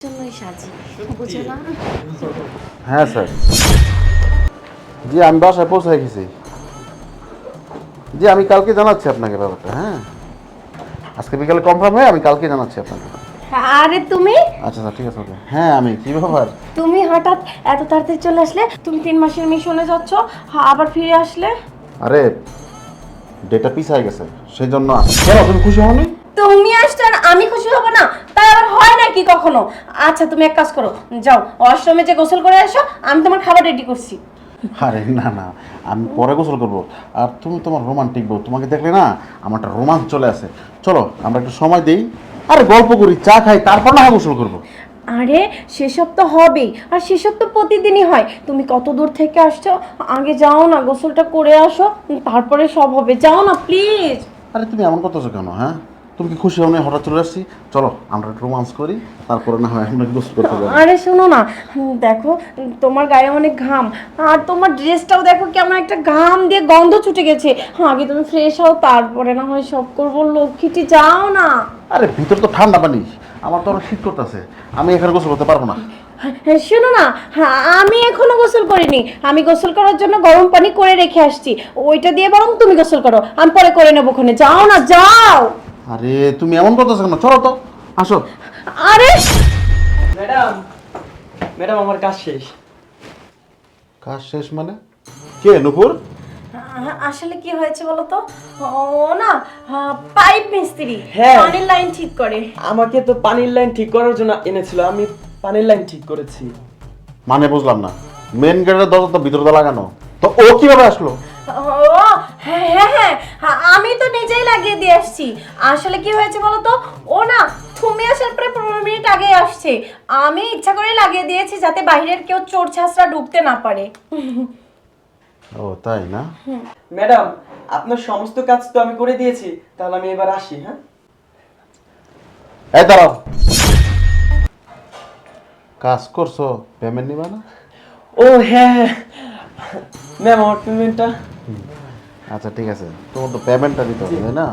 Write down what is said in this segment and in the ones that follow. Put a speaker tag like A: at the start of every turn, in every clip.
A: জন্যই সাজি বুঝে না।
B: হ্যাঁ স্যার, জি আমি বাসায় পৌঁছে গেছি। জি আমি কালকে জানাচ্ছি আপনাকে ব্যাপারটা। হ্যাঁ, আজকে বিকালে কনফার্ম হয়ে আমি কালকে জানাচ্ছি আপনাকে।
A: আরে তুমি
B: আচ্ছা স্যার, ঠিক আছে ওকে। হ্যাঁ আমি কি ব্যাপার?
A: তুমি হঠাৎ এত তাড়াতাড়ি চলে আসলে? তুমি 3 মাসের মিশনে যাচ্ছ, আবার ফিরে আসলে?
B: আরে ডেটা পিছায় গেছে সেই জন্য। কেন তুমি খুশি হওনি?
A: তুমি আসছো আর আমি খুশি হব না? তাই আবার হয় নাকি কখনো? আচ্ছা তুমি এক কাজ করো, যাও ওয়াশরুমে যে গোসল করে আসো, আমি তোমার খাবার রেডি করছি।
B: আরে না না, আমি পরে গোসল করবো। আর তুমি তোমার রোমান্টিক বউ, তোমাকে দেখলে না আমার একটা রোমান্স চলে আসে। চলো আমরা একটু সময় দিই, আরে গল্প করি, চা খাই, তারপর না হয় গোসল করবো।
A: আরে সেসব তো হবেই, আর সেসব তো প্রতিদিনই হয়। তুমি কত দূর থেকে আসছো, আগে যাও না গোসলটা করে আসো, তারপরে সব হবে। যাও না প্লিজ।
B: আরে তুমি এমন করতেছো কেন? হ্যাঁ, তুমি কি খুশি হও না হঠাৎ চলে আসছি? চলো আমরা একটু রোমান্স করি, তারপরে না হয় আমরা গোসল করতে যাবো।
A: আরে শোনো না, দেখো তোমার গায়ে অনেক ঘাম, আর তোমার ড্রেসটাও দেখো কেমন একটা ঘাম দিয়ে গন্ধ ছুটে গেছে। আগে তুমি ফ্রেশ হও, তারপরে না হয় সব করবো। লক্ষ্মীটি যাও না।
B: আরে ভিতর তো ঠান্ডা পানি, আমার তো অনেক শীত করতেছে, আমি এখানে গোসল করতে পারবো না।
A: শোনো না, আমি এখনো গোসল করিনি। আমি গোসল করার জন্য গরম পানি করে রেখে আসছি, ওইটা দিয়ে বরং তুমি গোসল করো, আমি পরে করে নেবো। ওখানে যাও না, যাও।
B: আরে তুমি এমন করতেছো কেন? চলো তো, আসো।
A: আরে
C: ম্যাডাম, ম্যাডাম আমার কাজ শেষ।
B: কাজ শেষ মানে? কে নূপুর?
A: আসলে কি হয়েছে বলো তো, ও না পাইপ মিস্ত্রি,
C: হ্যাঁ।
A: পানির লাইন ঠিক করে।
C: আমাকে তো পানির লাইন ঠিক করার জন্য এনেছিল, আমি পানির লাইন ঠিক করেছি।
B: মানে বুঝলাম না, মেন গেটের দরজা তো ভিতরে লাগানো, তো ও কিভাবে আসলো?
A: ও হ্যাঁ হ্যাঁ হ্যাঁ, আমি তো নিজেই লাগিয়ে দিয়ে আসছি। আসলে কি হয়েছে বলো তো, ও না তুমি আসার পরে 15 মিনিট আগে আসছে। আমি ইচ্ছা করে লাগিয়ে দিয়েছি যাতে বাইরের কেউ চোর ছাঁচরা ঢুকতে না পারে।
B: ও তাই না?
C: ম্যাডাম, আপনার সমস্ত কাজ তো আমি করে দিয়েছি, তাহলে আমি এবার আসি। হ্যাঁ,
B: এই দাঁড়াও, কাজ করছো, পেমেন্ট নিবা না?
C: ও হ্যাঁ হ্যাঁ, ম্যাম আমার পেমেন্টটা।
B: আচ্ছা ঠিক আছে, তোমার তো পেমেন্টটা দিতে হবে তাই না?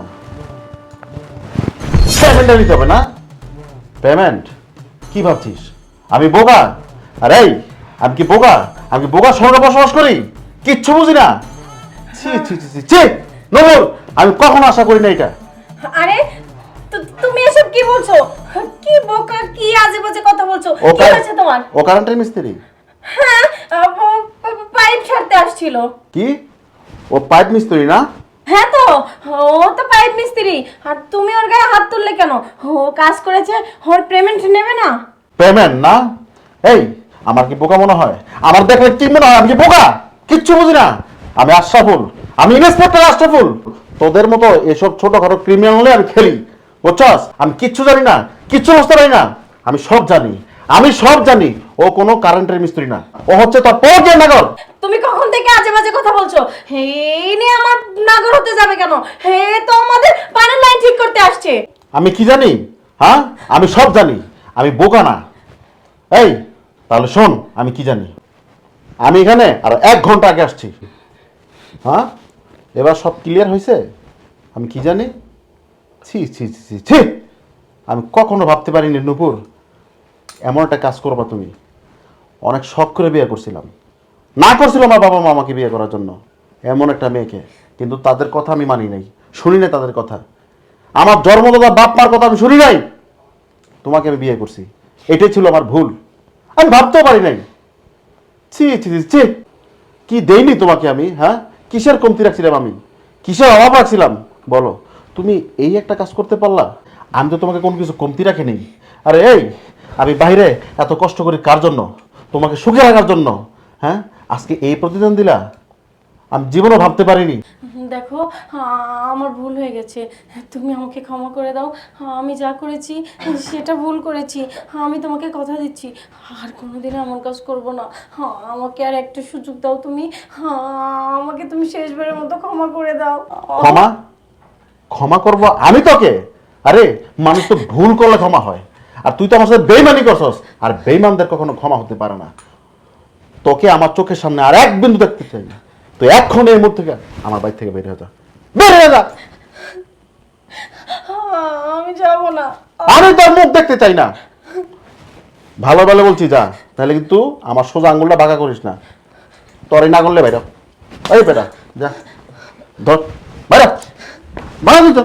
B: পেমেন্টটা দিতে হবে না? পেমেন্ট কি ভাবছিস আমি বোকা? আরে এই, আমি কি বোকা? আমি কি বোকা শহরে বসবাস করি, কিচ্ছু বুঝি না? ছি ছি ছি ছি ছি, নূপুর, আমি কখনো আশা করি না এটা।
A: আরে তুমি এসব কি বলছো? কি বোকা, কি আজে বাজে কথা বলছো?
B: ও
A: কি হয়েছে তোমার?
B: ও কারেন্টের মিস্ত্রি?
A: হ্যাঁ, পাইপ ছাড়তে আসছিল।
B: কি? ও পাইপ মিস্ত্রি না?
A: হ্যাঁ তো, ও তো পাইপ মিস্ত্রি। আর তুমি ওর গায়ে হাত তুললে কেন? ও কাজ করেছে, ওর পেমেন্ট নেবে না?
B: পেমেন্ট না? এই, আমার কি বোকা মনে হয়? আমার দেখলে কি মনে হয় আমি কি বোকা? কিচ্ছু বুঝি না। আমি আশরাফুল, আমি ইন্সপেক্টর আশরাফুল। তোদের মতো এসব ছোটখাটো ক্রিমিনাল হলে আমি খেলি, বুঝছস? আমি কিচ্ছু জানি না, কিচ্ছু বুঝতে পারি না। আমি সব জানি, আমি সব জানি। ও কোনো কারেন্টের মিস্ত্রি না, ও হচ্ছে তোর পর্যায় নাগর।
A: তুমি কখন থেকে আজে বাজে কথা বলছো? এই নিয়ে আমার নাগর হতে যাবে কেন? হে তো আমাদের পানির লাইন ঠিক করতে আসছে।
B: আমি কি জানি? হ্যাঁ, আমি সব জানি, আমি বোকা না। এই তাহলে শোন, আমি কি জানি। আমি এখানে আর 1 ঘন্টা আগে আসছি। হ্যাঁ, এবার সব ক্লিয়ার হয়েছে। আমি কি জানি? ছি ছি ছি ছি ছি, আমি কখনো ভাবতে পারিনি নূপুর এমন একটা কাজ করবা তুমি। অনেক শখ করে বিয়ে করছিলাম, না করছিল আমার বাবা মা আমাকে বিয়ে করার জন্য এমন একটা মেয়েকে, কিন্তু তাদের কথা আমি মানি নাই, শুনি নাই তাদের কথা। আমার জন্মদাতা বাপ মার কথা আমি শুনি নাই, তোমাকে আমি বিয়ে করছি। এটাই ছিল আমার ভুল, আমি ভাবতেও পারি নাই। ছি ছি ছি ছি, কি দেইনি তোমাকে আমি? হ্যাঁ, কিসের কমতি রাখছিলাম আমি, কিসের অভাব রাখছিলাম বলো? তুমি এই একটা কাজ করতে পারলা, আমি তো তোমাকে কোনো কিছু কমতি রাখি নেই। আরে এই, আমি বাইরে এত কষ্ট করি কার জন্য? তোমাকে সুখে রাখার জন্য। হ্যাঁ, আজকে এই প্রতিদান দিলা, আমি জীবনও ভাবতে পারিনি।
A: দেখো, আমার ভুল হয়ে গেছে, তুমি আমাকে ক্ষমা করে দাও। আমি যা করেছি সেটা ভুল করেছি। আমি তোমাকে কথা দিচ্ছি আর কোনোদিন এমন কাজ করব না। আমাকে আর একটা সুযোগ দাও তুমি। আমাকে তুমি শেষবারের মতো ক্ষমা করে দাও।
B: ক্ষমা? ক্ষমা করব আমি তোকে? আরে মানুষ তো ভুল করলে ক্ষমা হয়, আর তুই তো আমার সাথে বেইমানি করছস, আর বেইমানদের কখনো ক্ষমা হতে পারে না। তোকে আমার চোখের সামনে আর এক বিন্দু দেখতে চাই না। তুই এখন এই মুহূর্ত থেকে আমার বাড়ি থেকে বের হয়ে যা, বের হয়ে যা।
A: আমি যাব না।
B: আমি তোর মুখ দেখতে চাই না। ভালো ভালো বলছি যা, তাহলে কিন্তু আমার সোজা আঙুলটা বাঁকা করিস না। তোরই না করলে বাইরা, এই বেটা যা, ধর বাইরা, বাইরা তুই তো।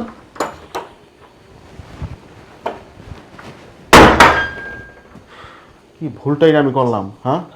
B: কি ভুলটাই না আমি করলাম, হ্যাঁ?